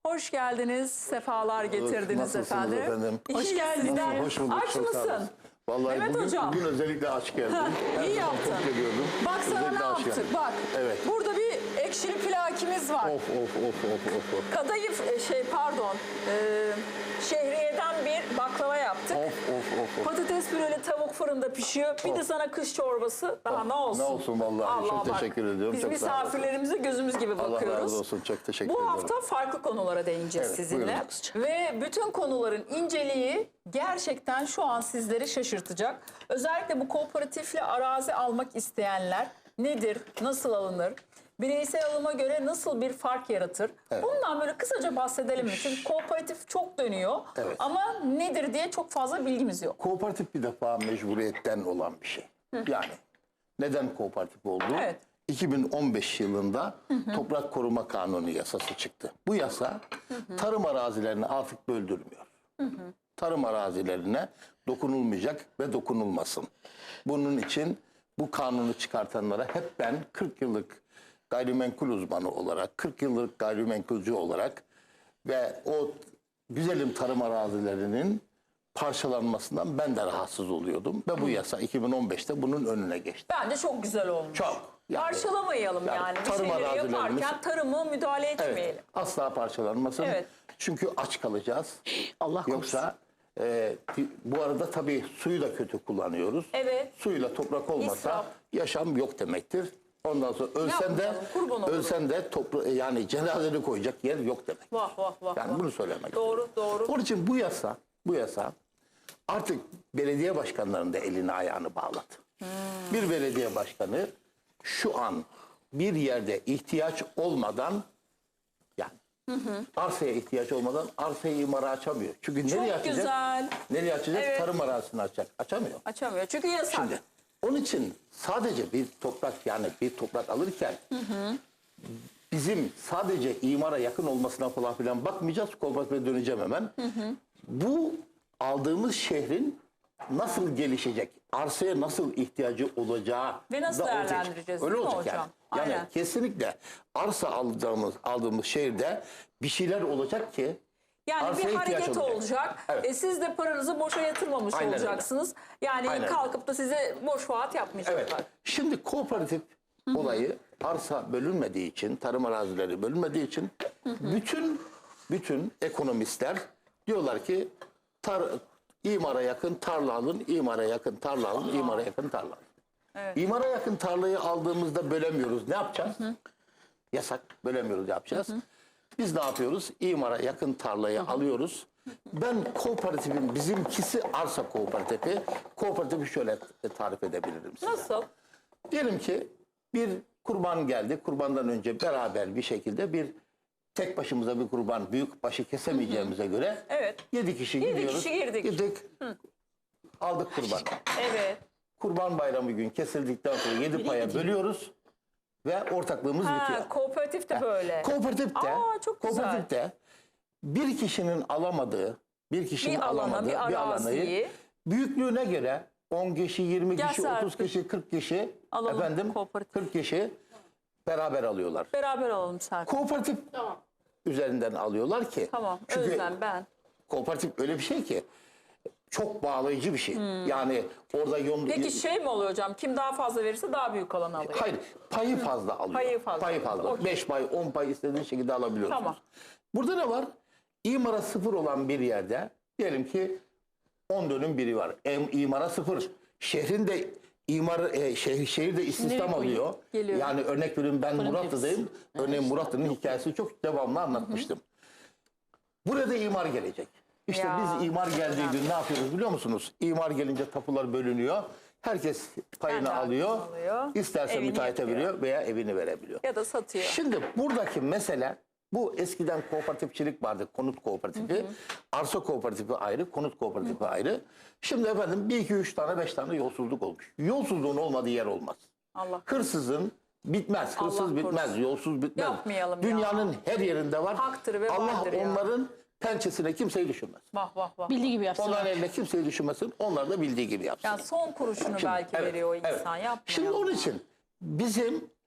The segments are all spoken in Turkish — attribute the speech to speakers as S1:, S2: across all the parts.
S1: Hoş geldiniz, sefalar getirdiniz
S2: Nasılsınız efendim?
S1: Hoş geldiniz.
S2: Hoş bulduk.
S1: Aç
S2: Çok sağ olun.
S1: mısın?
S2: Vallahi
S1: Evet hocam.
S2: bugün özellikle aç geldim. Her
S1: İyi
S2: zaman
S1: yaptın.
S2: çok geliyordum.
S1: Bak sana
S2: Özellikle
S1: ne
S2: aç
S1: yaptık,
S2: geldim.
S1: bak.
S2: Evet.
S1: Burada bir ekşili plakimiz var.
S2: Of.
S1: Kadayıf, şehriyeden bir baklava yaptık.
S2: Of.
S1: Patates püreli tavuk fırında pişiyor. Bir de sana kış çorbası. Daha ne olsun?
S2: Ne olsun vallahi. Çok
S1: bak,
S2: teşekkür ediyorum.
S1: Biz
S2: Çok sağ olun.
S1: misafirlerimize gözümüz gibi
S2: Allah
S1: bakıyoruz.
S2: razı olsun. Çok teşekkür
S1: Bu
S2: ederim.
S1: hafta farklı konulara değineceğiz
S2: Evet,
S1: sizinle.
S2: buyurun.
S1: Ve bütün konuların inceliği gerçekten şu an sizleri şaşırtacak. Özellikle bu kooperatifle arazi almak isteyenler nedir, nasıl alınır? Bireysel alıma göre nasıl bir fark yaratır?
S2: Evet.
S1: Bundan böyle kısaca bahsedelim mi? Çünkü kooperatif çok dönüyor
S2: Evet.
S1: ama nedir diye çok fazla bilgimiz yok.
S2: Kooperatif bir defa mecburiyetten olan bir şey. Yani neden kooperatif oldu?
S1: Evet.
S2: 2015 yılında Toprak Koruma Kanunu yasası çıktı. Bu yasa tarım arazilerini artık böldürmüyor. Tarım arazilerine dokunulmayacak ve dokunulmasın. Bunun için bu kanunu çıkartanlara hep ben 40 yıllık gayrimenkul uzmanı olarak, 40 yıllık gayrimenkulcü olarak ve o güzelim tarım arazilerinin parçalanmasından ben de rahatsız oluyordum. Ve bu yasa 2015'te bunun önüne geçti.
S1: Bence çok güzel olmuş.
S2: Çok. Yani,
S1: Parçalamayalım yani. Bir
S2: tarım
S1: şeyleri
S2: arazilerimiz-
S1: yaparken tarıma müdahale etmeyelim.
S2: Evet, asla parçalanmasın.
S1: Evet.
S2: Çünkü aç kalacağız.
S1: Allah korusun.
S2: Yoksa bu arada tabii suyu da kötü kullanıyoruz.
S1: Evet.
S2: Suyla toprak olmasa
S1: İsraf.
S2: yaşam yok demektir. Ondan sonra ölsen de
S1: Yapmayalım, kurban olurum.
S2: yani cenazeni koyacak yer yok demek.
S1: Vah.
S2: Yani bunu söylemek
S1: Doğru.
S2: Onun için bu yasa artık belediye başkanlarının da elini ayağını bağladı. Bir belediye başkanı şu an bir yerde ihtiyaç olmadan yani arsaya ihtiyaç olmadan arsayı imara açamıyor. Çünkü
S1: Çok
S2: nereye açacak?
S1: güzel.
S2: Nereye açacak?
S1: Evet.
S2: Tarım arazisini açacak. Açamıyor.
S1: Açamıyor. Çünkü yasak.
S2: Şimdi onun için sadece bir toprak alırken bizim sadece imara yakın olmasına falan filan bakmayacağız. Kooperatife döneceğim hemen. Bu aldığımız şehrin nasıl gelişecek, arsaya nasıl ihtiyacı olacağı
S1: Ve nasıl
S2: da ortaya
S1: değerlendireceğiz,
S2: öyle
S1: değil mi
S2: olacak
S1: hocam?
S2: yani. Yani
S1: Aynen.
S2: kesinlikle arsa aldığımız şehirde bir şeyler olacak ki
S1: Yani
S2: arsaya
S1: bir
S2: ihtiyaç
S1: hareket olacak.
S2: Evet.
S1: Siz de paranızı boşa yatırmamış
S2: Aynen öyle.
S1: olacaksınız. Yani
S2: Aynen
S1: kalkıp da size boş vaat yapmayacaklar.
S2: Evet. Şimdi kooperatif olayı arsa bölünmediği için, tarım arazileri bölünmediği için bütün ekonomistler diyorlar ki imara yakın tarla alın, imara yakın tarla alın, imara yakın tarla alın.
S1: Evet.
S2: İmara yakın tarlayı aldığımızda bölemiyoruz. Ne yapacağız? Yasak. Bölemiyoruz. Ne yapacağız? Biz ne yapıyoruz? İmara yakın tarlayı alıyoruz. Ben kooperatifin bizimkisi arsa kooperatifi. Kooperatifi şöyle tarif edebilirim size.
S1: Nasıl?
S2: Diyelim ki bir kurban geldi. Kurbandan önce beraber bir şekilde tek başımıza bir kurban büyük başı kesemeyeceğimize göre
S1: Evet.
S2: 7 kişi
S1: Yedi
S2: gidiyoruz.
S1: kişi girdik.
S2: Gittik. Aldık kurbanı.
S1: Evet.
S2: Kurban bayramı gün kesildikten sonra 7 paya bölüyoruz ve ortaklığımız bitiyor.
S1: Kooperatif de böyle.
S2: Kooperatifte,
S1: çok güzel.
S2: kooperatifte bir kişinin alamadığı,
S1: Bir alana, bir araziyi
S2: büyüklüğüne göre 10 kişi, 20
S1: Gel
S2: kişi,
S1: Serpil.
S2: 30 kişi, 40 kişi
S1: Alalım kooperatif.
S2: 40 kişi beraber alıyorlar.
S1: beraber alalım Serpil.
S2: Kooperatif üzerinden alıyorlar ki.
S1: Tamam.
S2: Çünkü
S1: Özlem ben.
S2: kooperatif öyle bir şey ki çok bağlayıcı bir şey. Yani orada
S1: Peki şey mi oluyor hocam? Kim daha fazla verirse daha büyük alanı alıyor.
S2: hayır, payı fazla alıyor.
S1: Payı fazla. Okey.
S2: 5 pay, 10 pay istediğin şekilde alabiliyorsunuz.
S1: Tamam.
S2: Burada ne var? İmara 0 olan bir yerde diyelim ki 10 dönüm biri var. İmara 0. Şehrin de şehirde istihdam alıyor.
S1: Geliyor.
S2: Yani örnek veriyorum ben Muratlı'dayım. Örneğin Muratlı'nın hikayesi çok devamlı anlatmıştım. Burada imar gelecek. İşte
S1: Ya,
S2: biz imar geldiği gün ne yapıyoruz biliyor musunuz? İmar gelince tapular bölünüyor. Herkes payını
S1: Kendi
S2: alıyor.
S1: alıyor.
S2: İsterse
S1: Evini
S2: müteahhite
S1: yapıyor.
S2: veriyor veya evini verebiliyor.
S1: Ya da satıyor.
S2: Şimdi buradaki mesele bu eskiden kooperatifçilik vardı. Konut kooperatifi, arsa kooperatifi ayrı, konut kooperatifi ayrı. Şimdi efendim 1, 2, 3 tane 5 tane yolsuzluk olmuş. Yolsuzluğun olmadığı yer olmaz.
S1: Allah.
S2: Hırsızın bitmez, hırsız
S1: Allah
S2: bitmez,
S1: korusun.
S2: yolsuz bitmez.
S1: Yapmayalım ya.
S2: Dünyanın her yerinde var.
S1: Haktır ve
S2: Allah
S1: vardır ya.
S2: onların pençesine kimseyi düşünmez.
S1: Vah.
S3: Bildiği gibi yapsın.
S2: Onların eline kimseyi düşünmesin, onlar da bildiği gibi yapsın.
S1: Yani son kuruşunu belki
S2: Evet,
S1: veriyor o
S2: evet.
S1: insan. Yapmayalım.
S2: Şimdi onun için bizim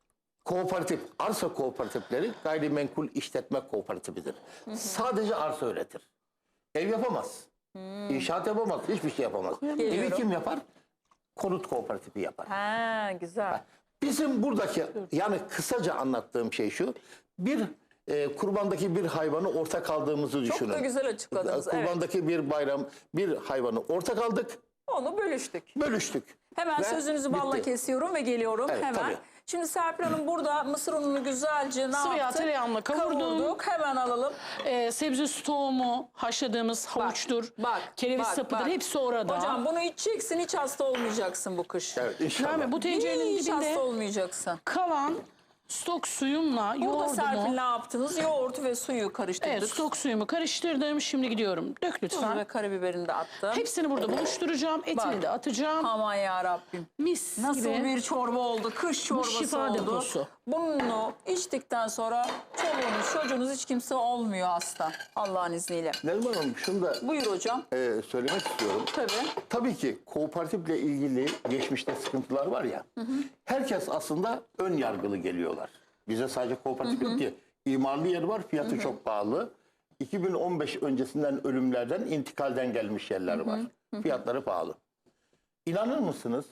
S2: Kooperatif, arsa kooperatifleri gayrimenkul işletme kooperatifidir. Sadece arsa üretir. Ev yapamaz. İnşaat yapamaz. Hiçbir şey yapamaz. Evi
S1: Geliyorum.
S2: kim yapar? Konut kooperatifi yapar.
S1: Ha, güzel.
S2: Bizim buradaki yani kısaca anlattığım şey şu. Bir kurbandaki bir hayvanı ortak aldığımızı
S1: Çok
S2: düşünün.
S1: da güzel açıkladınız. Evet.
S2: Kurbandaki bir bayram, bir hayvanı ortak aldık,
S1: Onu bölüştük.
S2: bölüştük.
S1: Hemen
S2: Ve
S1: sözünüzü balla
S2: bitti.
S1: kesiyorum ve geliyorum
S2: Evet,
S1: hemen.
S2: tabii.
S1: Şimdi Serpil Hanım burada mısır ununu güzelce ne
S3: Sıvı yağ
S1: yaptık?
S3: tereyağımla kavurdum.
S1: Kavurduk. Hemen alalım.
S3: Sebze stoğumu, haşladığımız havuçtur, kereviz
S1: bak,
S3: sapıdır,
S1: bak.
S3: hepsi orada.
S1: Hocam bunu içeceksin, hiç hasta olmayacaksın bu kış.
S2: Evet, inşallah.
S3: Nermin, bu tencerenin
S1: Hiç hasta
S3: dibinde
S1: olmayacaksın.
S3: kalan stok suyumla
S1: Burada Serpil
S3: yoğurdumu,
S1: ne yaptınız? Yoğurtu ve suyu karıştırdık.
S3: evet, stok suyumu karıştırdım. Şimdi gidiyorum. Dök
S1: Tuz ve
S3: lütfen.
S1: karabiberini de attım.
S3: Hepsini burada buluşturacağım. Etini
S1: Bak.
S3: de atacağım.
S1: Aman ya Rabbim.
S3: Mis
S1: Nasıl
S3: gibi.
S1: bir çorba oldu? Kış çorbası
S3: şifa
S1: oldu.
S3: deposu.
S1: Bunu içtikten sonra çoluğunuz, çocuğunuz hiç kimse olmuyor hasta. Allah'ın izniyle.
S2: Neriman Hanım şunu da
S1: Buyur hocam.
S2: söylemek istiyorum.
S1: Tabii.
S2: Tabii ki kooperatifle ilgili geçmişte sıkıntılar var ya. Herkes aslında ön yargılı geliyorlar. Bize sadece kooperatif yok ki. İmarlı yer var, fiyatı çok pahalı. 2015 öncesinden ölümlerden, intikalden gelmiş yerler var. Fiyatları pahalı. İnanır mısınız?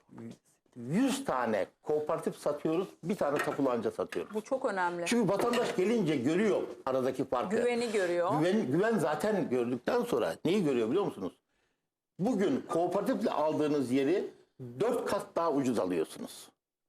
S2: 100 tane kooperatif satıyoruz, bir tane tapulanca satıyoruz.
S1: Bu çok önemli.
S2: Çünkü vatandaş gelince görüyor aradaki farkı.
S1: Güveni görüyor.
S2: Güven zaten gördükten sonra neyi görüyor biliyor musunuz? Bugün kooperatifle aldığınız yeri 4 kat daha ucuz alıyorsunuz.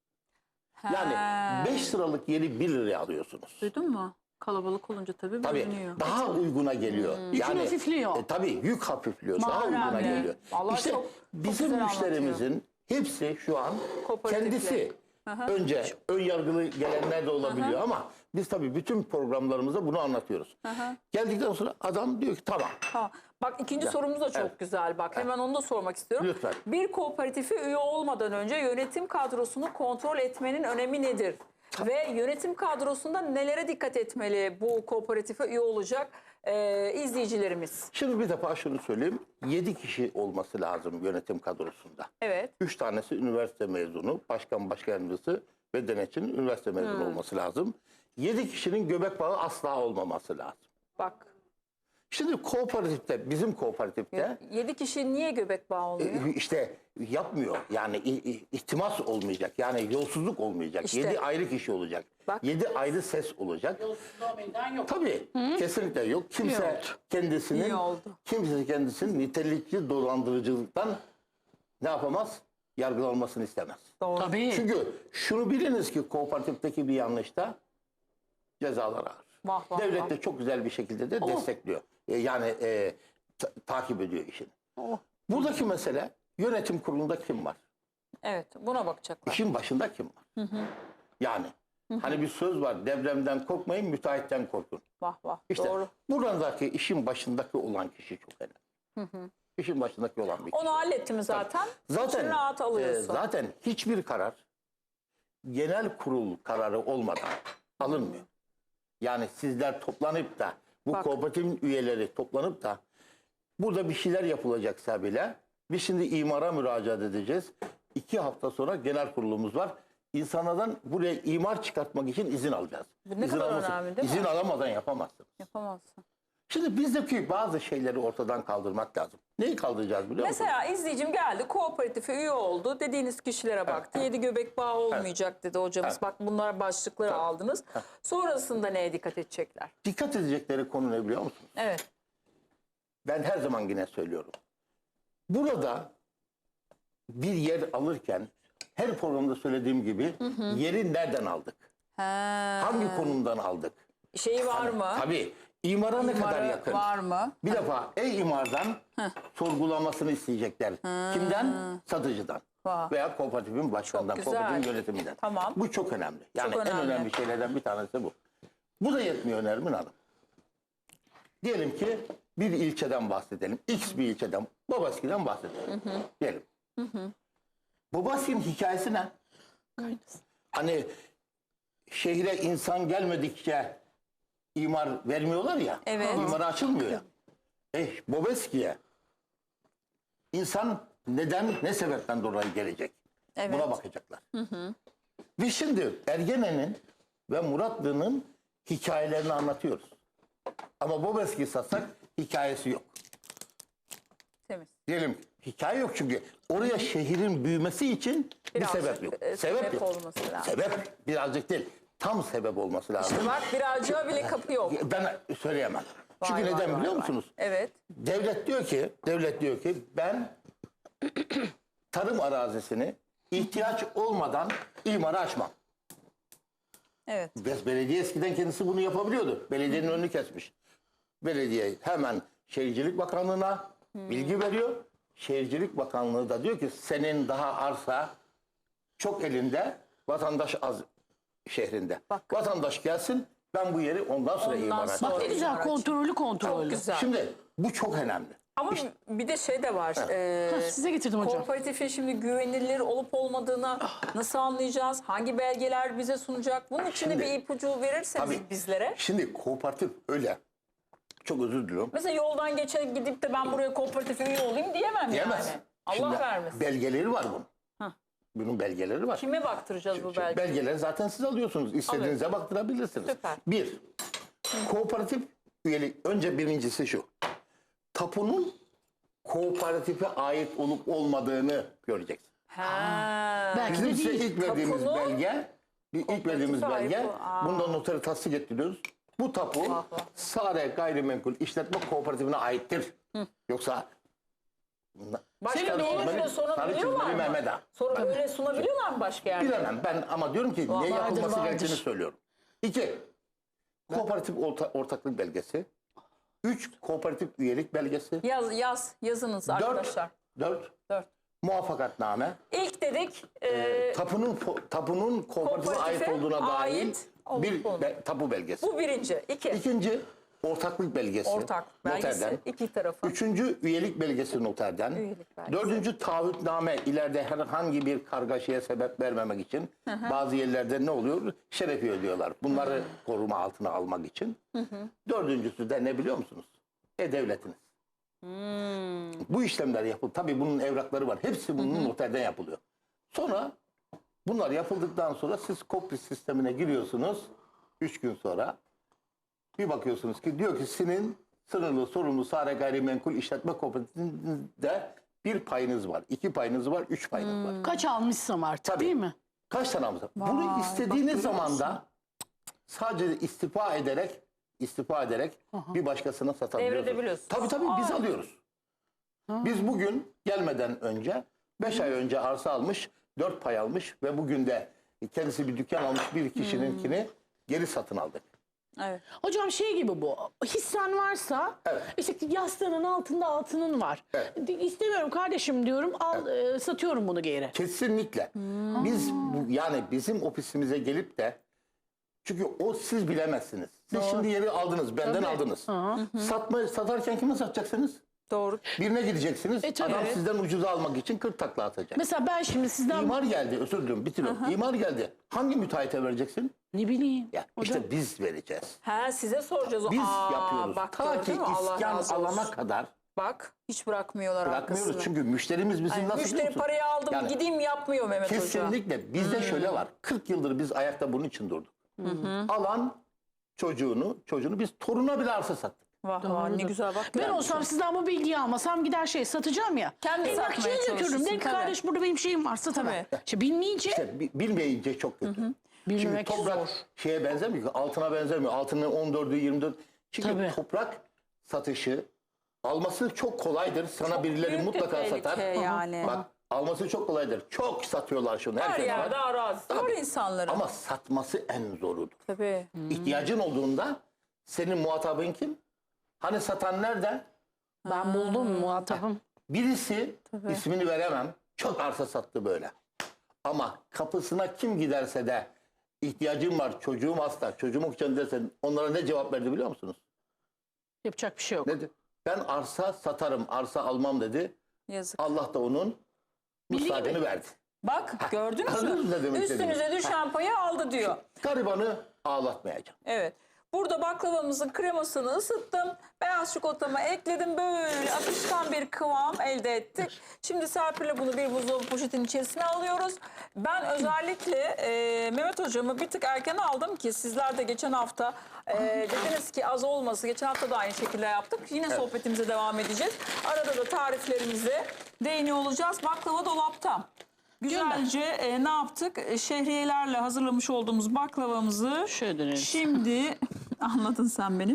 S2: Yani 5 liralık yeri 1 liraya alıyorsunuz.
S1: Duydun mu? Kalabalık olunca tabii
S2: Tabii
S1: bölünüyor.
S2: daha uyguna geliyor.
S3: Yükün hafifliyor.
S2: Tabii yük hafifliyor. Daha
S1: Önemli.
S2: uyguna geliyor.
S1: Vallahi
S2: İşte
S1: çok
S2: bizim
S1: güzel
S2: müşterimizin hepsi şu an
S1: Kooperatifle.
S2: kendisi. Önce ön yargılı gelenler de olabiliyor ama biz tabii bütün programlarımızda bunu anlatıyoruz. Geldikten sonra adam diyor ki tamam.
S1: Ha, bak ikinci sorumuz da çok güzel. Bak hemen onu da sormak istiyorum.
S2: Lütfen.
S1: Bir kooperatife üye olmadan önce yönetim kadrosunu kontrol etmenin önemi nedir? Ve yönetim kadrosunda nelere dikkat etmeli bu kooperatife üye olacak izleyicilerimiz?
S2: Şimdi bir defa şunu söyleyeyim. 7 kişi olması lazım yönetim kadrosunda.
S1: Evet.
S2: 3 tanesi üniversite mezunu, başkan yardımcısı ve denetçinin üniversite mezunu olması lazım. 7 kişinin göbek bağı asla olmaması lazım.
S1: Bak
S2: Şimdi kooperatifte, bizim kooperatifte
S1: 7 kişi niye göbek bağı olmuyor?
S2: işte yapmıyor. Yani ihtimas olmayacak. Yani yolsuzluk olmayacak.
S1: İşte.
S2: 7 ayrı kişi olacak.
S1: Bak.
S2: 7 ayrı ses olacak.
S3: Yolsuzluğa meydan yok.
S2: Tabii. Kesinlikle yok. Kimse kendisinin
S1: İyi oldu.
S2: nitelikli dolandırıcılıktan ne yapamaz? Yargılanmasını istemez.
S1: Doğru.
S3: Tabii.
S2: Çünkü şunu biliniz ki kooperatifteki bir yanlışta cezalar ağır.
S1: Vah, vah,
S2: Devlet
S1: vah.
S2: de çok güzel bir şekilde de destekliyor. Yani takip ediyor işini.
S1: Oh.
S2: Buradaki mesele yönetim kurulunda kim var?
S1: Evet, buna bakacaklar.
S2: İşin başında kim var? Yani hani bir söz var, depremden korkmayın, müteahhitten korkun.
S1: Vah vah.
S2: İşte
S1: Doğru.
S2: buradaki işin başındaki olan kişi çok önemli. İşin başındaki olan bir kişi.
S1: Onu hallettim zaten. İçini rahat alıyorsun.
S2: zaten hiçbir karar genel kurul kararı olmadan alınmıyor. Yani sizler toplanıp da bu
S1: Bak.
S2: kooperatifin üyeleri toplanıp da burada bir şeyler yapılacaksa bile biz şimdi imara müracaat edeceğiz. 2 hafta sonra genel kurulumuz var. İnsanlardan buraya imar çıkartmak için izin alacağız.
S1: Bu ne
S2: İzin
S1: kadar
S2: alması-
S1: önemli, değil mi?
S2: İzin alamadan yapamazsın.
S1: Yapamazsın.
S2: Şimdi bizdeki bazı şeyleri ortadan kaldırmak lazım. Neyi kaldıracağız biliyor musun?
S1: Mesela izleyicim geldi, kooperatife üye oldu. Dediğiniz kişilere baktı. 7 göbek bağı olmayacak dedi hocamız. Bak bunlar başlıkları aldınız. Sonrasında neye dikkat edecekler?
S2: Dikkat edecekleri konu ne biliyor musun?
S1: Evet.
S2: Ben her zaman yine söylüyorum. Burada bir yer alırken her programda söylediğim gibi yeri nereden aldık? Hangi konumdan aldık?
S1: Şeyi var mı?
S2: Tabii imara ne kadar
S1: İmarı
S2: yakın?
S1: var mı?
S2: Bir defa imardan sorgulamasını isteyecekler. Kimden? Satıcıdan.
S1: Vah.
S2: Veya kooperatifin başkanından,
S1: Çok güzel.
S2: kooperatifin yönetiminden.
S1: Tamam.
S2: Bu çok önemli. Yani
S1: Çok
S2: en
S1: önemli.
S2: önemli şeylerden bir tanesi bu. Bu da yetmiyor Nermin Hanım. Diyelim ki bir ilçeden bahsedelim. X bir ilçeden, Babaski'den bahsedelim. Diyelim. Babaski'nin hikayesi ne? Hani şehre insan gelmedikçe imar vermiyorlar ya.
S1: Evet.
S2: İmara açılmıyor ya. Bobeski'ye insan neden, ne sebepten dolayı gelecek?
S1: Evet.
S2: Buna bakacaklar. Ve şimdi Ergene'nin ve Muratlı'nın hikayelerini anlatıyoruz. Ama Bobeski'yi satsak hikayesi yok.
S1: Temiz.
S2: Diyelim hikaye yok çünkü oraya şehrin büyümesi için
S1: Birazcık,
S2: bir sebep yok.
S1: sebep
S2: yok.
S1: olması lazım.
S2: Sebep birazcık değil. Tam sebep olması lazım.
S1: Bak birazcığa bile kapı yok.
S2: Ben söyleyemem. Çünkü
S1: Vay,
S2: neden
S1: vay,
S2: biliyor
S1: vay,
S2: musunuz?
S1: vay. Evet.
S2: Devlet diyor ki ben tarım arazisini ihtiyaç olmadan imara açmam.
S1: Evet.
S2: Belediye eskiden kendisi bunu yapabiliyordu. Belediyenin önünü kesmiş. Belediye hemen Şehircilik Bakanlığı'na bilgi veriyor. Şehircilik Bakanlığı da diyor ki senin daha arsa çok elinde, vatandaş az şehrinde.
S1: Bak.
S2: Vatandaş gelsin, ben bu yeri ondan sonra
S1: Ondan
S2: imara
S1: sonra.
S3: Bak
S2: açacağım.
S3: ne güzel,
S1: Araç.
S3: kontrollü.
S1: Çok güzel.
S2: Şimdi bu çok önemli.
S1: Ama bir de şey de var.
S3: Size getirdim hocam.
S1: Kooperatifin şimdi güvenilir olup olmadığını nasıl anlayacağız? Hangi belgeler bize sunacak? Bunun için de
S2: Şimdi-
S1: bir ipucu verirseniz
S2: Tabii.
S1: bizlere.
S2: Şimdi kooperatif öyle. Çok özür diliyorum.
S1: Mesela yoldan geçen gidip de ben buraya kooperatife üye olayım diyemem
S2: Diyemez.
S1: yani. Allah
S2: Şimdi
S1: vermesin.
S2: belgeleri var bunun.
S1: Hah.
S2: Bunun belgeleri var.
S1: Kime baktıracağız bu belgeyi?
S2: Belgeleri zaten siz alıyorsunuz. İstediğinize baktırabilirsiniz.
S1: Süper.
S2: Bir, kooperatif üyelik. Önce birincisi şu. Tapunun kooperatife ait olup olmadığını göreceksin.
S1: Ha.
S3: Belki
S2: Bizim
S3: de
S2: size
S3: değil.
S2: ilk verdiğimiz
S1: Tapunun
S2: belge, ilk verdiğimiz
S1: kooperatife
S2: belge,
S1: ait bu. Aa.
S2: bundan notere tasdik ettiriyoruz. Bu tapu
S1: vah.
S2: Sare Gayrimenkul İşletme Kooperatifine aittir. Yoksa
S1: Başka
S2: Başkan
S1: bir
S2: Süleyman-
S1: yere
S2: Sarı
S1: sunabiliyorlar
S2: Çizmeli
S1: mı?
S2: Mehmet Ağa.
S1: Sonra öyle sunabiliyorlar mı başka yerde?
S2: Bilemem ben ama diyorum ki ne yapılması
S3: vardır.
S2: gerektiğini söylüyorum. 2. Kooperatif ortaklık belgesi. 3. Kooperatif üyelik belgesi.
S1: Yazınız
S2: 4.
S1: arkadaşlar.
S2: 4.
S1: 4.
S2: Muvaffakatname.
S1: İlk dedik
S2: Tapunun kooperatife ait
S1: Kooperatife
S2: olduğuna dair
S1: ait olup
S2: bir
S1: olmadığı.
S2: tapu belgesi.
S1: bu birinci. İki.
S2: İkinci ortaklık belgesi.
S1: Ortak belgesi.
S2: Noterden.
S1: İki tarafı.
S2: Üçüncü üyelik belgesi noterden.
S1: Üyelik belgesi.
S2: Dördüncü taahhütname ileride herhangi bir kargaşaya sebep vermemek için bazı yerlerde ne oluyor? Şerefi ödüyorlar. Bunları koruma altına almak için. Dördüncüsü de ne biliyor musunuz? E-Devletiniz. Bu işlemler yapılıyor. Tabii bunun evrakları var. Hepsi bunun noterden yapılıyor. Sonra bunlar yapıldıktan sonra siz KOPRİ sistemine giriyorsunuz. 3 gün sonra bir bakıyorsunuz ki diyor ki senin sınırlı sorumlu Sare Gayrimenkul İşletme Kooperatifinde bir payınız var, 2 payınız var, 3 payınız var.
S3: Kaç almışsam artık
S2: Tabii.
S3: değil mi?
S2: Kaç tane almışsın? Bunu
S1: Vay,
S2: istediğiniz
S1: bak,
S2: zaman da sadece istifa ederek bir başkasına satabiliyorsunuz.
S1: Devredebiliyorsunuz.
S2: Tabii biz alıyoruz. Biz bugün gelmeden önce 5 ay önce arsa almış, 4 pay almış ve bugün de kendisi bir dükkan almış bir kişininkini geri satın aldık.
S1: Evet.
S3: Hocam şey gibi bu. Hissen varsa
S2: Evet.
S3: işte yastığının altında altının var.
S2: Evet.
S3: İstemiyorum kardeşim diyorum. Al satıyorum bunu geri.
S2: Kesinlikle. Biz yani bizim ofisimize gelip de çünkü o siz bilemezsiniz. Siz şimdi yeri aldınız, benden aldınız. Satarken kime satacaksınız?
S1: Doğru.
S2: Birine gideceksiniz.
S3: Tabii.
S2: Adam
S3: Evet.
S2: sizden ucuza almak için 40 takla atacak.
S3: Mesela ben şimdi sizden
S2: İmar geldi, özür dilerim, bitiriyorum. İmar geldi. Hangi müteahhite vereceksin?
S3: ne bileyim.
S2: Ya
S3: Hocam.
S2: işte biz vereceğiz.
S1: Size soracağız.
S2: Biz yapıyoruz.
S1: Bak,
S2: Ta ki
S1: gördün mü? Allah
S2: iskan
S1: razı olsun.
S2: alana kadar
S1: Bak hiç bırakmıyorlar
S2: bırakmıyoruz.
S1: arkasını.
S2: Çünkü müşterimiz bizim
S1: Yani
S2: nasıl biliyor
S1: müşteri
S2: musun?
S1: parayı aldım
S2: Yani
S1: gideyim yapmıyor Mehmet Hoca.
S2: kesinlikle. Bizde şöyle var. 40 yıldır biz ayakta bunun için durduk. Alan çocuğunu biz toruna bile arsa sattık.
S1: Vah vah ne güzel bak.
S3: Ben olsam sizden bu bilgiyi almasam gider satacağım ya.
S1: Kendi satmaya
S3: Emlakçıya götürürüm.
S1: çalışırsın,
S3: Derim ki
S1: tabii.
S3: kardeş burada benim şeyim var satamam.
S1: Tabii.
S3: İşte bilmeyince
S2: İşte bilmeyince çok kötü. Şimdi
S3: bilmemek
S2: toprak
S3: zor.
S2: şeye benzemiyor ki, altına benzemiyor. Altının 14'ü 24. Çünkü
S3: Tabii.
S2: toprak satışı alması çok kolaydır. Sana birileri
S1: büyük de
S2: mutlaka
S1: tehlike
S2: satar.
S1: yani.
S2: Bak alması çok kolaydır. Çok satıyorlar şunu.
S1: Her
S2: Herkes
S1: yerde
S2: var.
S1: arazisi var insanların.
S2: Ama satması en zorudur.
S1: Tabii.
S2: İhtiyacın olduğunda senin muhatabın kim? Hani satan nerede?
S3: Ben buldum muhatabım.
S2: Birisi ismini veremem. Çok arsa sattı böyle. Ama kapısına kim giderse de ihtiyacım var, çocuğum hasta, çocuğum okuyacağım dersen onlara ne cevap verdi biliyor musunuz?
S3: Yapacak bir şey yok.
S2: Ne dedi? Ben arsa satarım, arsa almam dedi.
S1: Yazık.
S2: Allah da onun müsaadeni verdi.
S1: Bak gördünüz
S2: Anladınız ne
S1: mü?
S2: demek
S1: Üstünüze
S2: istediğimi?
S1: düşen payı aldı diyor.
S2: Garibanı ağlatmayacağım.
S1: Evet. Burada baklavamızın kremasını ısıttım. Beyaz çikolatamı ekledim. Böyle akışkan bir kıvam elde ettik. Şimdi Serpil'le bunu bir buzdolabı poşetinin içerisine alıyoruz. Ben özellikle Mehmet hocamı bir tık erken aldım ki sizler de geçen hafta dediniz ki az olması. Geçen hafta da aynı şekilde yaptık. Yine sohbetimize devam edeceğiz. Arada da tariflerimize değiniyor olacağız. Baklava dolapta. Güzelce ne yaptık? Şehriyelerle hazırlamış olduğumuz baklavamızı
S3: Şöyle dönelim.
S1: şimdi anladın sen beni.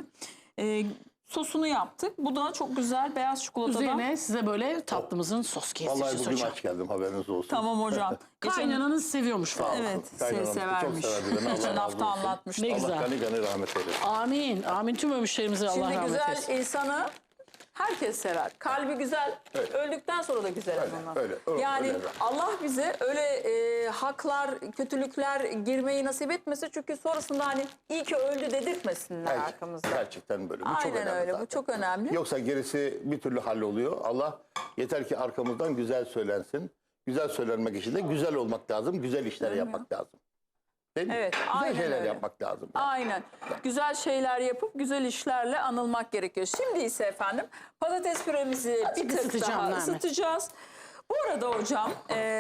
S1: Sosunu yaptık. Bu da çok güzel beyaz çikolatadan.
S3: Üzerine size böyle tatlımızın sos
S2: Vallahi
S3: kesişi
S2: bugün
S3: hocam.
S2: aç geldim, haberiniz olsun.
S1: Tamam hocam.
S3: Kaynananız seviyormuş falan.
S1: Evet,
S2: Kaynanam
S1: severmiş.
S2: çok severdi beni, Allah
S1: Geçen
S2: razı
S1: hafta
S2: olsun.
S1: anlatmıştı.
S3: Ne
S2: Allah
S3: güzel.
S2: gani gani rahmet eylesin.
S3: Amin. Amin tüm ölmüşlerimize Allah
S1: Şimdi
S3: rahmet
S1: güzel
S3: eylesin.
S1: insanı herkes sever. Kalbi güzel,
S2: Evet.
S1: öldükten sonra da güzel
S2: Öyle,
S1: ama.
S2: öyle,
S1: Yani
S2: öyle.
S1: Allah bize öyle haklar, kötülükler girmeyi nasip etmesin. Çünkü sonrasında hani iyi ki öldü dedirtmesinler arkamızda.
S2: Gerçekten böyle. Bu çok
S1: Aynen
S2: önemli
S1: öyle.
S2: zaten.
S1: Bu çok önemli.
S2: Yoksa gerisi bir türlü halloluyor. Allah yeter ki arkamızdan güzel söylensin. Güzel söylenmek için de güzel olmak lazım. Güzel işler yapmak lazım. Değil mi?
S1: Evet,
S2: Güzel
S1: aynen
S2: şeyler
S1: öyle.
S2: yapmak lazım. Yani.
S1: Aynen. Güzel şeyler yapıp güzel işlerle anılmak gerekiyor. Şimdi ise efendim patates püremizi bir tık
S3: ısıtacağım
S1: daha
S3: Nermin.
S1: ısıtacağız. Bu arada hocam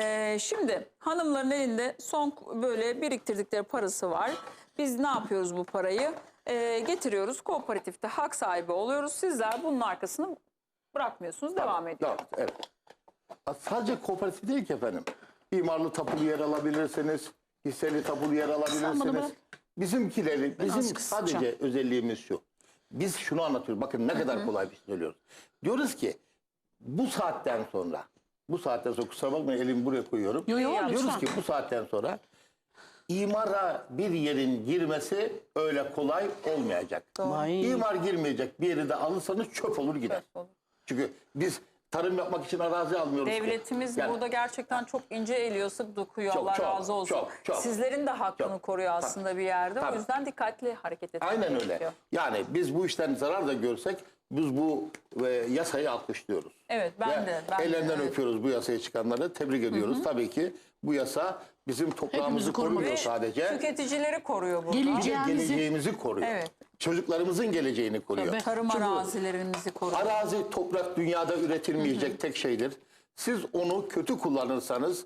S1: şimdi hanımların elinde son böyle biriktirdikleri parası var. Biz ne yapıyoruz bu parayı? Getiriyoruz kooperatifte hak sahibi oluyoruz. Sizler bunun arkasını bırakmıyorsunuz, devam ediyor.
S2: Evet. Sadece kooperatif değil ki efendim. İmarlı tapulu yer alabilirsiniz. Hisseli tapulu yer
S3: bana
S2: alabilirsiniz.
S3: bırak.
S2: Bizimkileri, bizim
S3: azıcık ısıtacağım.
S2: sadece özelliğimiz şu. Biz şunu anlatıyoruz. Bakın ne kadar kolay bir şey söylüyoruz. Diyoruz ki bu saatten sonra kusura bakmayın elimi buraya koyuyorum.
S3: Yo,
S2: Diyoruz
S3: lütfen.
S2: ki bu saatten sonra imara bir yerin girmesi öyle kolay olmayacak.
S3: Vay.
S2: İmar girmeyecek bir yeri de alırsanız çöp olur gider.
S1: Çöp olur.
S2: Çünkü biz tarım yapmak için arazi almıyoruz ki.
S1: Devletimiz
S2: Yani
S1: burada gerçekten çok ince eliyor, sık dokuyor.
S2: Çok,
S1: Allah
S2: çok,
S1: razı olsun.
S2: çok.
S1: Sizlerin de hakkını
S2: Çok.
S1: koruyor aslında bir yerde.
S2: Tabii.
S1: O yüzden dikkatli hareket etmek
S2: aynen
S1: gerekiyor.
S2: öyle. Yani biz bu işten zarar da görsek biz bu yasayı alkışlıyoruz.
S1: Evet, ben
S2: Ve
S1: de.
S2: ellerinden
S1: evet.
S2: öpüyoruz bu yasayı çıkanları. Tebrik ediyoruz. Tabii ki bu yasa bizim toprağımızı
S3: Hepimizi korumak
S2: korumuyor
S1: Ve
S2: sadece.
S1: tüketicileri koruyor burada.
S2: Bir de
S3: Geleceğimizi
S2: geleceğimizi koruyor.
S1: Evet.
S2: Çocuklarımızın geleceğini koruyor.
S3: Tabii.
S1: Tarım
S2: Çünkü
S1: arazilerimizi koruyor.
S2: arazi, toprak dünyada üretilmeyecek tek şeydir. Siz onu kötü kullanırsanız,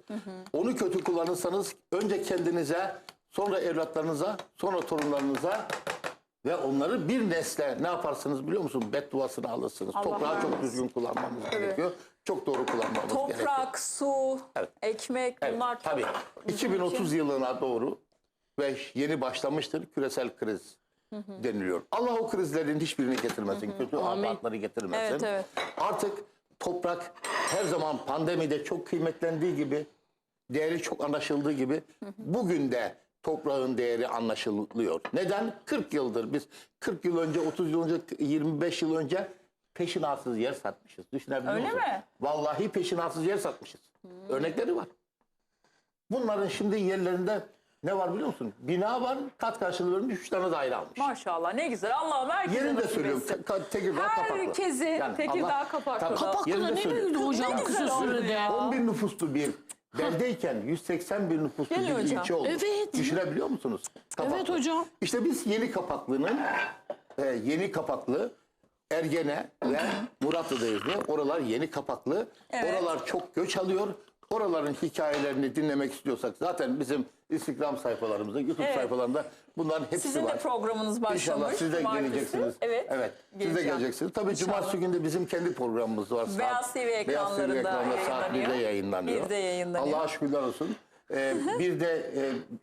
S2: önce kendinize, sonra evlatlarınıza, sonra torunlarınıza ve onları bir nesle ne yaparsınız biliyor musun? Bedduasını alırsınız.
S1: Allah
S2: Toprağı çok
S1: vermesin.
S2: düzgün kullanmamız gerekiyor. Çok doğru kullanmamız gerekiyor.
S1: Toprak, su,
S2: Evet.
S1: ekmek
S2: Evet,
S1: bunlar çok
S2: tabii.
S1: bizim
S2: 2030
S1: için-
S2: yılına doğru ve yeni başlamıştır küresel kriz deniliyor. Allah o krizlerin hiçbirini getirmesin. Kötü afetleri getirmesin.
S1: Evet, evet.
S2: Artık toprak her zaman pandemide çok kıymetlendiği gibi, değeri çok anlaşıldığı gibi bugün de toprağın değeri anlaşılıyor. Neden? 40 yıldır biz 40 yıl önce, 30 yıl önce, 25 yıl önce peşinatsız yer satmışız. Düşünebiliyor
S1: Öyle
S2: musun?
S1: mi?
S2: Vallahi peşinatsız yer satmışız. Örnekleri var. Bunların şimdi yerlerinde ne var biliyor musun? Bina var, kat karşılığı vermiş, 3 tane daire almış.
S1: Maşallah ne güzel. Allah'ım herkese
S2: Yerini de
S1: nasip
S2: söylüyorum.
S1: etsin.
S2: Tekirdağ kapaklı.
S1: Herkesin
S2: Yani
S1: Tekirdağ
S2: Allah-
S1: kapaklı.
S2: Tabii,
S3: Kapaklı
S2: yerini
S3: da
S2: de
S3: ne
S2: söylüyorum.
S3: büyüdü hocam
S1: Ne
S3: kısa
S1: güzel oldu
S3: sürede.
S1: ya.
S2: 11 nüfuslu bir beldeyken 180 bin nüfuslu
S1: Geliyor
S2: bir
S1: hocam.
S2: ilçe oldu.
S3: Evet.
S2: Düşünebiliyor musunuz? Kapaklı.
S3: Evet hocam.
S2: İşte biz Yeni Kapaklı'nın Yeni Kapaklı, Ergene ve Muratlı'dayız diye. Oralar Yeni Kapaklı.
S1: Evet.
S2: Oralar çok göç alıyor. Oraların hikayelerini dinlemek istiyorsak zaten bizim Instagram sayfalarımızda, YouTube
S1: Evet.
S2: sayfalarında bunların hepsi
S1: Sizin
S2: var.
S1: de programınız başlamış.
S2: İnşallah siz de
S1: Cumartesi.
S2: geleceksiniz.
S1: Evet.
S2: Siz de
S1: geleceğim.
S2: geleceksiniz. Tabii
S1: İnşallah.
S2: cumartesi günü de bizim kendi programımız var.
S1: Beyaz TV ekranlarında
S2: ekranında saat 1'de
S1: yayınlanıyor.
S2: yayınlanıyor.
S1: 1'de yayınlanıyor.
S2: Allah'a şükürler olsun. Bir de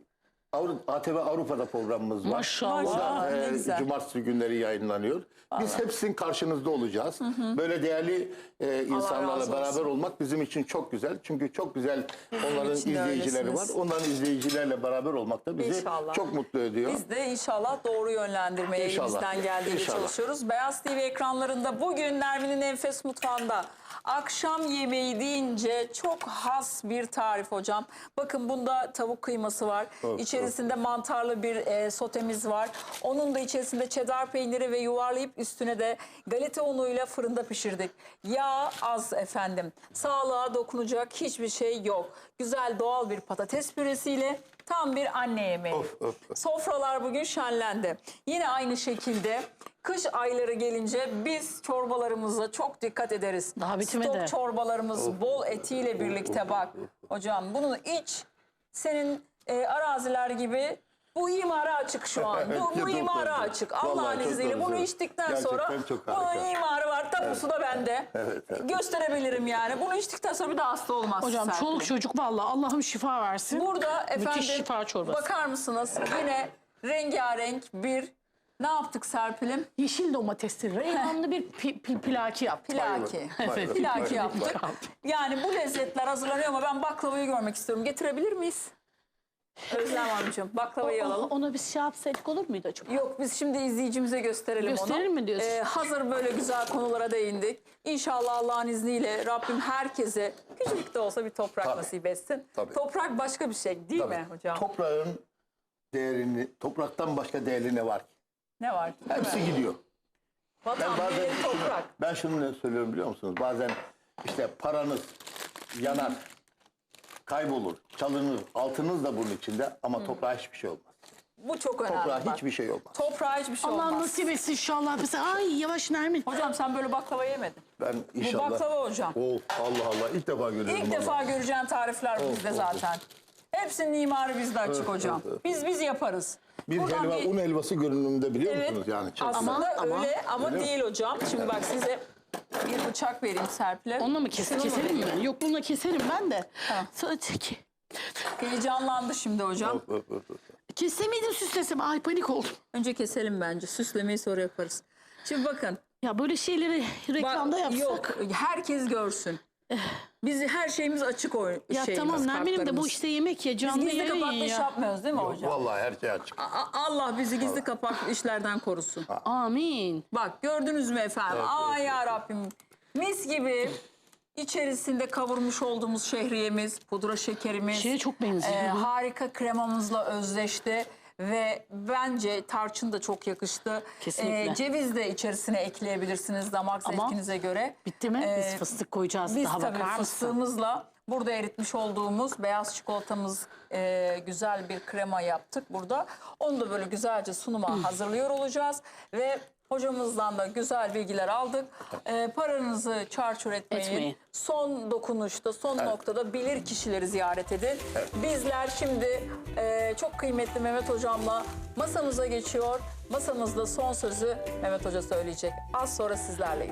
S2: ATV Avrupa'da programımız var.
S3: Maşallah.
S2: O da
S1: Ne güzel.
S2: cumartesi günleri yayınlanıyor. Biz hepsinin karşınızda olacağız. Böyle değerli insanlarla
S1: razı
S2: beraber
S1: olsun.
S2: olmak bizim için çok güzel. Çünkü çok güzel onların
S1: için de
S2: izleyicileri var.
S1: öylesiniz.
S2: Onların izleyicilerle beraber olmak da bizi
S1: İnşallah.
S2: çok mutlu ediyor.
S1: Biz de inşallah doğru yönlendirmeye
S2: İnşallah.
S1: elimizden geldiğince
S2: İnşallah.
S1: çalışıyoruz. Beyaz TV ekranlarında bugün Nermin'in Enfes Mutfağı'nda akşam yemeği deyince çok has bir tarif hocam. Bakın bunda tavuk kıyması var.
S2: Evet,
S1: İçerisinde mantarlı bir sotemiz var. Onun da içerisinde çedar peyniri ve yuvarlayıp üstüne de galeta unuyla fırında pişirdik. Yağ az efendim. Sağlığa dokunacak hiçbir şey yok. Güzel doğal bir patates püresiyle Tam bir anne yemeği.
S2: Of, of.
S1: Sofralar bugün şenlendi. Yine aynı şekilde kış ayları gelince biz çorbalarımıza çok dikkat ederiz.
S3: Daha bitmedi.
S1: Stok çorbalarımız bol etiyle birlikte bak. Hocam bunu iç. Senin araziler gibi bu imara açık şu an. Bu
S2: Çok
S1: imara
S2: doğru.
S1: açık.
S2: Vallahi
S1: Allah'ın
S2: çok
S1: izniyle
S2: doğru
S1: bunu
S2: söylüyorsun.
S1: içtikten
S2: Gerçekten
S1: sonra
S2: çok
S1: bunun
S2: harika.
S1: imarı var. Tapusu da bende.
S2: Evet.
S1: Gösterebilirim yani. Bunu içtikten sonra bir daha hasta olmaz.
S3: Hocam çoluk çocuk vallahi Allah'ım şifa versin.
S1: Burada efendim
S3: Müthiş şifa çorbası.
S1: bakar mısınız? Yine rengarenk bir ne yaptık Serpil'im?
S3: Yeşil domatesli reyhanlı bir pilaki yaptık.
S1: Pilaki.
S3: Evet.
S1: Pilaki yaptık. Yani bu lezzetler hazırlanıyor ama ben baklavayı görmek istiyorum. Getirebilir miyiz? Özlem Hanımcığım baklavayı alalım.
S3: Ona biz şey yapsaydık olur muydu acaba?
S1: Yok biz şimdi izleyicimize gösterelim onu.
S3: Gösterelim mi diyorsun?
S1: Hazır böyle güzel konulara değindik. İnşallah Allah'ın izniyle Rabbim herkese küçük de olsa bir toprak
S2: Tabii.
S1: nasip etsin.
S2: Tabii.
S1: Toprak başka bir şey değil mi hocam?
S2: Toprağın değerini, topraktan başka değerli ne var ki?
S1: Ne var? Değil
S2: Hepsi
S1: mi?
S2: gidiyor.
S1: Vatan, millet, toprak.
S2: Ben şunu ne söylüyorum biliyor musunuz? Bazen işte paranız yanar, kaybolur, çalınır, altınız da bunun içinde ama toprağa hiçbir şey olmaz.
S1: Bu çok önemli.
S2: Toprağa
S1: bak.
S2: hiçbir şey olmaz.
S1: Toprağa hiçbir şey
S3: Allah
S1: olmaz.
S3: nasip etsin inşallah. Mesela ay yavaş Nermin.
S1: Hocam sen böyle baklava yemedin.
S2: Ben inşallah...
S1: Bu baklava hocam.
S2: Oh, Allah Allah ilk defa görüyorum.
S1: İlk
S2: vallahi.
S1: defa göreceğin tarifler bizde zaten. Hepsinin imarı bizde açık hocam. Biz yaparız.
S2: Bir
S1: Buradan
S2: helva, un helvası görünümünde biliyor
S1: Evet.
S2: musunuz yani? Çok
S1: Aslında
S3: Ama-
S1: öyle ama
S2: Öyle mi?
S1: değil hocam. Şimdi bak size bir bıçak vereyim Serpil'e.
S3: Onunla mı
S1: Şunu mu
S3: keselim mi?
S1: vereyim?
S3: Yok bununla keserim ben de.
S1: Ha.
S3: Sonra çek.
S1: Heyecanlandı şimdi hocam.
S3: Kesemeydim süslesem. Ay panik oldum.
S1: Önce keselim bence. Süslemeyi sonra yaparız. Şimdi bakın.
S3: Ya böyle şeyleri reklamda
S1: Bak,
S3: yapsak.
S1: yok herkes görsün. Biz her şeyimiz açık o
S3: Ya
S1: şeyimiz,
S3: tamam Nermin'im de
S1: kartlarımız.
S3: bu işte yemek ya canlı
S1: Gizli
S3: yayın
S1: kapaklı iş
S3: ya.
S1: yapmıyoruz değil mi hocam?
S2: Vallahi her şey açık.
S1: Allah bizi gizli kapaklı işlerden korusun.
S3: Amin.
S1: Bak gördünüz mü efendim? Aman ya Rabbim. Mis gibi içerisinde kavurmuş olduğumuz şehriyemiz, pudra şekerimiz.
S3: Şeye çok benziyor.
S1: Harika kremamızla özleşti. Ve bence tarçın da çok yakıştı.
S3: Kesinlikle.
S1: Ceviz de içerisine ekleyebilirsiniz damak
S3: Ama
S1: zevkinize göre.
S3: Bitti mi?
S1: Ee,
S3: Biz fıstık koyacağız.
S1: Biz
S3: Daha
S1: tabii
S3: bakar mısın?
S1: fıstığımızla burada eritmiş olduğumuz beyaz çikolatamız güzel bir krema yaptık burada. Onu da böyle güzelce sunuma hazırlıyor olacağız. Ve hocamızdan da güzel bilgiler aldık. Paranızı çarçur etmeyin.
S3: Etmeyin.
S1: Son dokunuşta, son noktada bilir kişileri ziyaret edin. Bizler şimdi çok kıymetli Mehmet Hocam'la masamıza geçiyor. Masamızda son sözü Mehmet Hoca söyleyecek. Az sonra sizlerleyiz.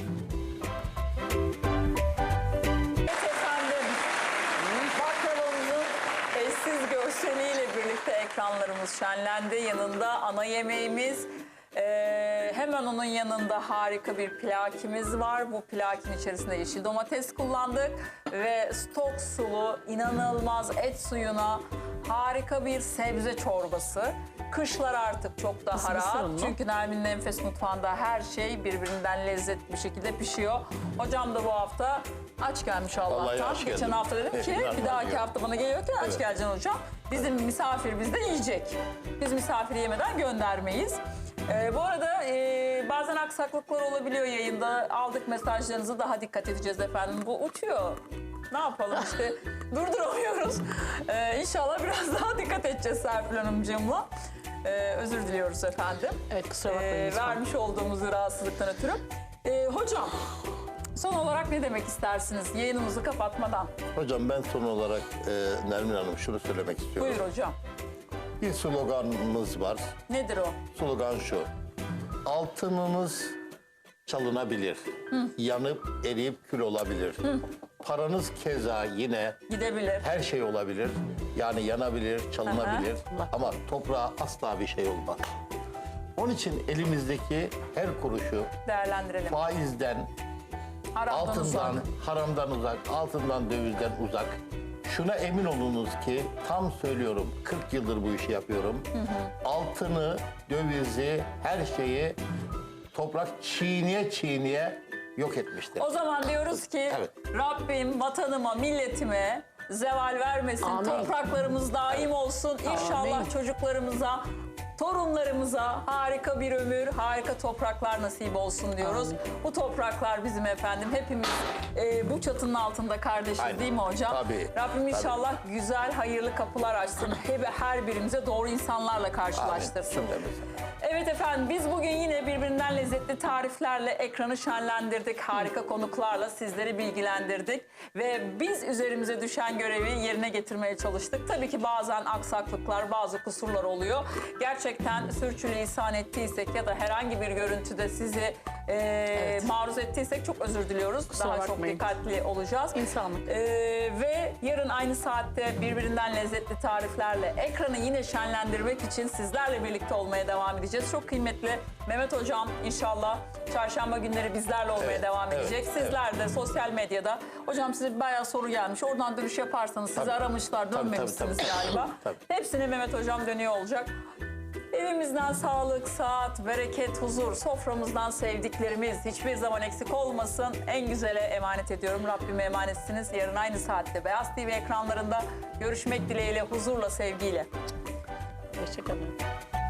S1: Evet efendim, baklavamızın eşsiz görseliyle birlikte ekranlarımız şenlendi. Yanında ana yemeğimiz, hemen onun yanında harika bir plakimiz var. Bu plakin içerisinde yeşil domates kullandık ve stok sulu, inanılmaz et suyuna harika bir sebze çorbası. Kışlar artık çok daha
S3: Mısır
S1: rahat.
S3: unlu.
S1: Çünkü Nermin'in Enfes Mutfağı'nda her şey birbirinden lezzetli bir şekilde pişiyor. Hocam da bu hafta aç gelmiş
S2: Vallahi
S1: Allah'tan.
S2: aç
S1: Geçen
S2: geldim.
S1: hafta dedim ki
S2: Ben
S1: bir dahaki
S2: varıyorum.
S1: hafta bana geliyorken aç geleceksin hocam. Bizim misafir bizde yiyecek. Biz misafiri yemeden göndermeyiz. Bu arada bazen aksaklıklar olabiliyor yayında. Aldık mesajlarınızı, daha dikkat edeceğiz efendim. Bu uçuyor. Ne yapalım işte durduramıyoruz. İnşallah biraz daha dikkat edeceğiz Serpil Hanımcığımla. Özür diliyoruz efendim.
S3: Evet kusura bakmayın. lütfen.
S1: Vermiş olduğumuz rahatsızlıktan ötürü. Hocam son olarak ne demek istersiniz yayınımızı kapatmadan?
S2: Hocam ben son olarak Nermin Hanım şunu söylemek istiyorum.
S1: Buyur hocam.
S2: Bir sloganımız var.
S1: Nedir o?
S2: Slogan şu. Altınınız çalınabilir. Yanıp eriyip kül olabilir. Paranız keza yine
S1: Gidebilir.
S2: her şey olabilir. Yani yanabilir, çalınabilir.
S3: Aha.
S2: Ama toprağa asla bir şey olmaz. Onun için elimizdeki her kuruşu
S1: Değerlendirelim.
S2: faizden,
S1: Haramdan uzak.
S2: altından, haramdan uzak, altından, dövizden uzak. Şuna emin olunuz ki tam söylüyorum 40 yıldır bu işi yapıyorum. Altını, dövizi, her şeyi toprak çiğniye çiğniye yok etmiştir.
S1: O zaman diyoruz ki
S2: Evet.
S1: Rabbim vatanıma, milletime zeval vermesin.
S3: Amin.
S1: Topraklarımız daim olsun. İnşallah
S3: Amin.
S1: çocuklarımıza Torunlarımıza harika bir ömür, harika topraklar nasip olsun diyoruz.
S3: Amin.
S1: Bu topraklar bizim efendim. Hepimiz bu çatının altında kardeşiz,
S2: Aynen.
S1: değil mi hocam?
S2: Tabii,
S1: Rabbim inşallah güzel, hayırlı kapılar açsın. Her birimize doğru insanlarla karşılaştırsın.
S2: Cümlemize.
S1: Evet efendim, biz bugün yine birbirinden lezzetli tariflerle ekranı şenlendirdik. Harika konuklarla sizleri bilgilendirdik. Ve biz üzerimize düşen görevi yerine getirmeye çalıştık. Tabii ki bazen aksaklıklar, bazı kusurlar oluyor. Gerçekten sürçülisan ettiysek ya da herhangi bir görüntüde sizi maruz ettiysek çok özür diliyoruz.
S3: Kusura
S1: Daha çok
S3: bakmayın.
S1: dikkatli olacağız.
S3: İnsanlık.
S1: Ve yarın aynı saatte birbirinden lezzetli tariflerle ekranı yine şenlendirmek için sizlerle birlikte olmaya devam edeceğiz. Çok kıymetli Mehmet Hocam inşallah çarşamba günleri bizlerle olmaya
S2: Evet,
S1: devam
S2: evet,
S1: edecek. Sizler de sosyal medyada. Hocam size bayağı soru gelmiş. Oradan dönüş yaparsanız sizi
S2: Tabii.
S1: aramışlar,
S2: Tabii,
S1: dönmemişsiniz
S2: tabii.
S1: galiba.
S2: Tabii.
S1: Hepsine Mehmet Hocam dönüyor olacak. Evimizden sağlık, saat, bereket, huzur, soframızdan sevdiklerimiz hiçbir zaman eksik olmasın. En güzele emanet ediyorum. Rabbime emanetsiniz. Yarın aynı saatte Beyaz TV ekranlarında görüşmek dileğiyle, huzurla, sevgiyle.
S3: Hoşçakalın.